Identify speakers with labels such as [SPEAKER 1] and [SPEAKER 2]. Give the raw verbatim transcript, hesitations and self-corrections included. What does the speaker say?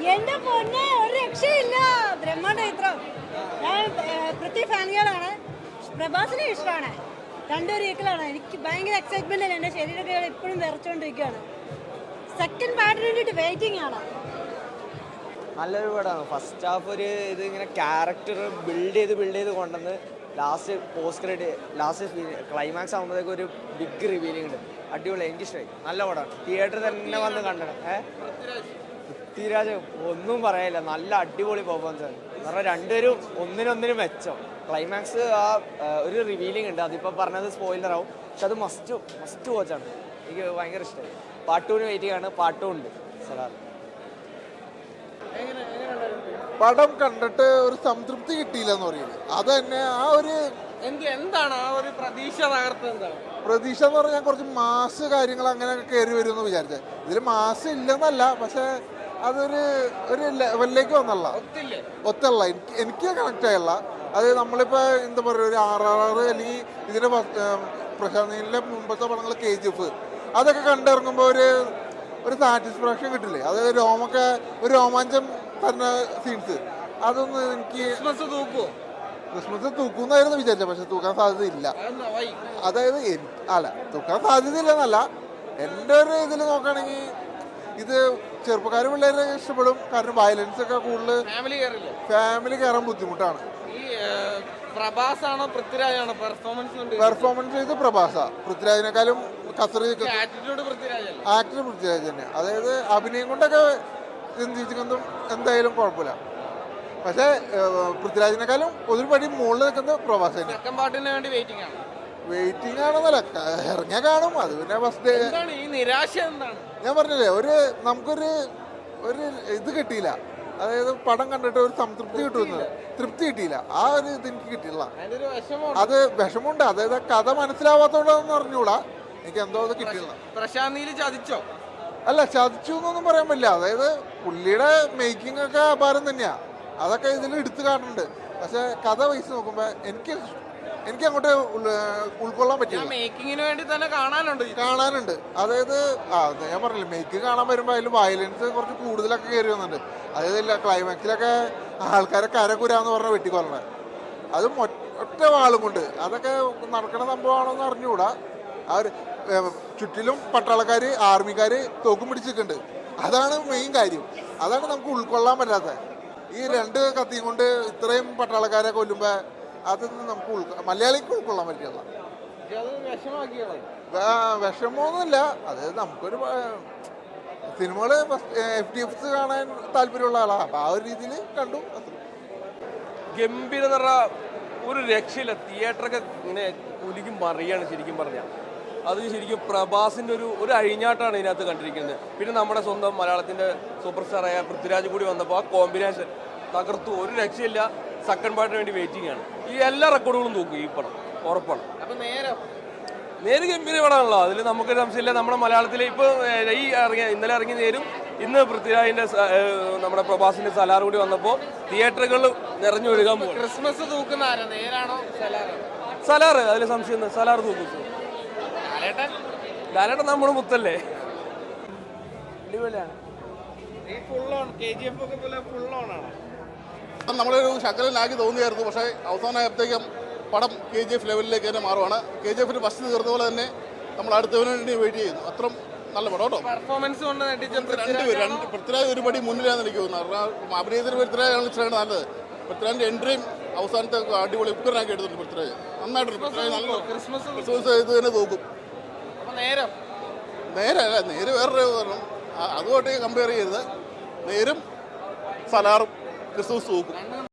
[SPEAKER 1] എന്റെ പൊന്നെ ഒരു രക്ഷയില്ല. ബ്രഹ്മാണ്ഡ ചിത്രം. ഞാൻ പൃഥ്വി ഫാനുകളാണ്, പ്രഭാസിനെ ഇഷ്ടമാണ്. രണ്ടൊരു ഈക്കളാണ്. എനിക്ക് ഭയങ്കര എക്സൈറ്റ്മെന്റ് ആണ്. എന്റെ ശരീരമൊക്കെ ഇപ്പോഴും വിറച്ചുകൊണ്ടിരിക്കുകയാണ്. സെക്കൻഡ് പാർട്ടിന് വേണ്ടിയിട്ട് വെയിറ്റിംഗ് ആണ്.
[SPEAKER 2] നല്ലൊരു പടമാണ്. ഫസ്റ്റ് ഹാഫ് ഒരു ഇത് ഇങ്ങനെ ക്യാരക്ടർ ബിൽഡ് ചെയ്ത് ബിൽഡ് ചെയ്ത് കൊണ്ടുവന്ന് last post credit last climax ആകുമ്പോഴത്തേക്ക് ഒരു ബിഗ് റിവീലിംഗ് ഉണ്ട്. അടിപൊളി, എനിക്കിഷ്ടമായി. നല്ല പടമാണ്. തിയേറ്ററിൽ തന്നെ വന്ന് കണ്ടണം. ഏഹ് പൃഥ്വിരാജ് ഒന്നും പറയാനില്ല, നല്ല അടിപൊളി പെർഫോമൻസ് ആണ്. കാരണം രണ്ടുപേരും ഒന്നിനൊന്നിനും മെച്ചം. ക്ലൈമാക്സ് ആ ഒരു റിവീലിംഗ് ഉണ്ട്, അതിപ്പോൾ പറഞ്ഞത് സ്പോയിലർ ആവും, പക്ഷെ അത് മസ്റ്റ് മസ്റ്റ് വാച്ചാണ്. എനിക്ക് ഭയങ്കര ഇഷ്ടമായി. പാർട്ടൂന് വെയിറ്റിംഗ് ആണ്. പാട്ടും ഉണ്ട്. സലാർ
[SPEAKER 3] പടം കണ്ടിട്ട് ഒരു സംതൃപ്തി കിട്ടിയില്ല എന്ന് പറയുന്നത് അത് തന്നെ. ആ ഒരു
[SPEAKER 4] എന്താണ് ആ ഒരു പ്രതീക്ഷ തകർത്തത്? എന്താണ്
[SPEAKER 3] പ്രതീക്ഷ എന്ന് പറഞ്ഞാൽ കുറച്ച് മാസ് കാര്യങ്ങൾ അങ്ങനെ കയറി വരുമെന്ന് വിചാരിച്ചത്. ഇതിൽ മാസ് ഇല്ലെന്നല്ല, പക്ഷെ അതൊരു ഒരു ലെവലിലേക്ക് വന്നല്ല, ഒത്തല്ല. എനിക്ക് എനിക്ക് കണക്ട് ആയല്ല. അത് നമ്മളിപ്പോൾ എന്താ പറയുക, ഒരു ആർ ആർ ആർ അല്ലെങ്കിൽ ഇതിൻ്റെ പ്രശാന്ത് നീലിൻ്റെ മുമ്പത്തെ പടങ്ങൾ കെ ജി എഫ് അതൊക്കെ കണ്ടിറങ്ങുമ്പോൾ ഒരു ഒരു സാറ്റിസ്ഫാക്ഷൻ കിട്ടില്ലേ? അതായത് രോമൊക്കെ ഒരു രോമാഞ്ചം തരുന്ന സീൻസ്. അതൊന്നും എനിക്ക്
[SPEAKER 4] ക്രിസ്മസ് തൂക്കുമോ?
[SPEAKER 3] ക്രിസ്മസ് തൂക്കുന്നായിരുന്നു വിചാരിച്ചത്, പക്ഷെ തൂക്കാൻ സാധ്യതയില്ല. അതായത് അല്ല, തൂക്കാൻ സാധ്യതയില്ലെന്നല്ല, എൻ്റെ ഒരു ഇതിൽ നോക്കുകയാണെങ്കിൽ ഇത് ചെറുപ്പക്കാർ പിള്ളേരെ ഇഷ്ടപ്പെടും. കാരണം വയലൻസ് ഒക്കെ കൂടുതൽ ഫാമിലി കയറാൻ ബുദ്ധിമുട്ടാണ്.
[SPEAKER 4] പ്രഭാസാണോ പൃഥ്വിരാജാണോ പെർഫോമൻസ്?
[SPEAKER 3] പെർഫോമൻസ് ചെയ്ത് പ്രഭാസ. പൃഥ്വിരാജിനെക്കാളും കസറി
[SPEAKER 4] ആക്ടർ
[SPEAKER 3] പൃഥ്വിരാജ് തന്നെ. അതായത് അഭിനയം കൊണ്ടൊക്കെ ചിന്തിച്ചിരിക്കുന്നതും എന്തായാലും കുഴപ്പമില്ല. പക്ഷേ പൃഥ്വിരാജിനെക്കാളും ഒരു പടി മുകളിൽ നിൽക്കുന്നത് പ്രഭാസ് തന്നെ. വെയിറ്റിംഗ് ആണെന്നല്ല, ഇറങ്ങിയാൽ കാണും. അത് പിന്നെ ഫസ്റ്റ്
[SPEAKER 4] നിരാശ എന്താണ്
[SPEAKER 3] ഞാൻ പറഞ്ഞില്ലേ, ഒരു നമുക്കൊരു ഒരു ഇത് കിട്ടിയില്ല. അതായത് പടം കണ്ടിട്ട് ഒരു സംതൃപ്തി കിട്ടുന്നത്, തൃപ്തി കിട്ടിയില്ല. ആ ഒരു ഇത് എനിക്ക് കിട്ടിയില്ല. അത് വിഷമമുണ്ട്. അതായത് കഥ മനസ്സിലാവാത്തോണ്ടെന്ന് അറിഞ്ഞൂടാ, എനിക്ക് എന്തോ അത് കിട്ടിയില്ല.
[SPEAKER 4] പ്രശാന്ത് നീൽ ചതിച്ചോ?
[SPEAKER 3] അല്ല, ചതിച്ചു എന്നൊന്നും പറയാൻ പറ്റില്ല. അതായത് പുള്ളിയുടെ മേക്കിംഗ് ഒക്കെ അപാരം തന്നെയാ, അതൊക്കെ ഇതിൽ എടുത്തു കാണുന്നുണ്ട്. പക്ഷെ കഥ വയസ്സ് നോക്കുമ്പോ എനിക്ക് എനിക്ക് അങ്ങോട്ട് ഉൾക്കൊള്ളാൻ പറ്റില്ല.
[SPEAKER 4] മേക്കിങ്ങിന് വേണ്ടി തന്നെ കാണാനുണ്ട്
[SPEAKER 3] കാണാനുണ്ട് അതായത് ആ ഞാൻ പറഞ്ഞില്ല, മേക്കിംഗ് കാണാൻ വരുമ്പോ അതിൽ വയലൻസ് കുറച്ച് കൂടുതലൊക്കെ കയറി വന്നിട്ടുണ്ട്. അതായത് ക്ലൈമാക്സിലൊക്കെ ആൾക്കാരെ കരകുരാന്ന് പറഞ്ഞ വെട്ടിക്കൊല്ലണേ, അതും ഒറ്റ വാളും കൊണ്ട്. അതൊക്കെ നടക്കണ സംഭവമാണോന്ന് അറിഞ്ഞുകൂടാ. ആ ഒരു ചുറ്റിലും പട്ടാളക്കാര് ആർമിക്കാര് തോക്കും പിടിച്ചിട്ടുണ്ട്. അതാണ് മെയിൻ കാര്യം. അതാണ് നമുക്ക് ഉൾക്കൊള്ളാൻ പറ്റാത്തത്. ഈ രണ്ട് കത്തിയും കൊണ്ട് ഇത്രയും പട്ടാളക്കാരെ കൊല്ലുമ്പോ അതൊന്നും നമുക്ക് ഉൾക്കൊ മലയാളിക്ക് ഉൾക്കൊള്ളാൻ പറ്റില്ല. വിഷമമൊന്നുമില്ല. അതായത് നമുക്കൊരു സിനിമകള് എഫ് ഡി എഫ് കാണാൻ താല്പര്യമുള്ള ആളാണ്. അപ്പൊ ആ ഒരു രീതിയിൽ കണ്ടു.
[SPEAKER 5] ഗംഭീര നിറ ഒരു രക്ഷയില്ല. തിയേറ്ററൊക്കെ ഇങ്ങനെ കുലുക്കി മറിയാണ് ശരിക്കും പറഞ്ഞാൽ. അത് ശരിക്കും പ്രഭാസിൻ്റെ ഒരു ഒരു അഴിഞ്ഞാട്ടാണ് ഇതിനകത്ത് കണ്ടിരിക്കുന്നത്. പിന്നെ നമ്മുടെ സ്വന്തം മലയാളത്തിൻ്റെ സൂപ്പർ സ്റ്റാറായ പൃഥ്വിരാജ് കൂടി വന്നപ്പോൾ ആ കോമ്പിനേഷൻ തകർത്തു. ഒരു രക്ഷയില്ല. സെക്കൻഡ് പാർട്ടിന് വേണ്ടി വെയിറ്റിംഗ് ആണ്. ഈ എല്ലാ റെക്കോർഡുകളും നോക്കും ഈ പടം, ഉറപ്പാണ്. നേര് ഗംഭീര പടമാണല്ലോ, അതിൽ നമുക്കൊരു സംശയമില്ല. നമ്മുടെ മലയാളത്തിൽ ഇപ്പോൾ ഈ ഇറങ്ങിയ ഇന്നലെ ഇറങ്ങി നേരും ഇന്ന് പൃഥ്വിരാജിൻ്റെ നമ്മുടെ പ്രഭാസിൻ്റെ സലാർ കൂടി വന്നപ്പോൾ തിയേറ്ററുകളിൽ നിറഞ്ഞു ഒഴുകാൻ പോകും.
[SPEAKER 4] ക്രിസ്മസ് തൂക്കുന്ന നേരാണോ
[SPEAKER 5] സലാർ? അതിൽ സംശയം, സലാർ തൂക്കും. ലാലേട്ടൻ നമ്മുടെ മുത്തല്ലേ. അടിപൊളിയാണ്.
[SPEAKER 6] നമ്മളൊരു ശകലനാക്കി തോന്നിയായിരുന്നു, പക്ഷേ അവസാനമായപ്പോഴത്തേക്കും പടം കെ ജി എഫ് ലെവലിലേക്ക് തന്നെ മാറുവാണ്. കെ ജി എഫിന് ഫസ്റ്റ് തീർന്ന പോലെ തന്നെ നമ്മൾ അടുത്തവന് വേണ്ടി വെയിറ്റ് ചെയ്യുന്നു. അത്ര നല്ല പടം കേട്ടോ.
[SPEAKER 4] പെർഫോമൻസ് കൊണ്ട്
[SPEAKER 6] രണ്ടുപേരും രണ്ട് പൃഥ്വിരാജ് ഒരു പടി മുന്നിലാണെന്ന് എനിക്ക് തോന്നുന്നു. അഭിനയത്തിന് പൃഥ്വിരാജാണ് ഇഷ്ടമാണ് നല്ലത്. പൃഥ്വിരാജിന്റെ എൻട്രിയും അവസാനത്തെ അടിപൊളി ഉപ്പനാക്കി എടുത്തിട്ടുണ്ട് പൃഥ്വിരാജ്. നന്നായിട്ടുണ്ട് പൃഥ്വിരാജ്. നല്ല ക്രിസ്മസ് ഇത് തന്നെ തോക്കും. നേരെ അല്ല, നേര് വേറൊരു കാരണം അതുമായിട്ട് കമ്പയർ ചെയ്തത്. നേരും സലാറും ക്രിസ്മസ് തോക്കും.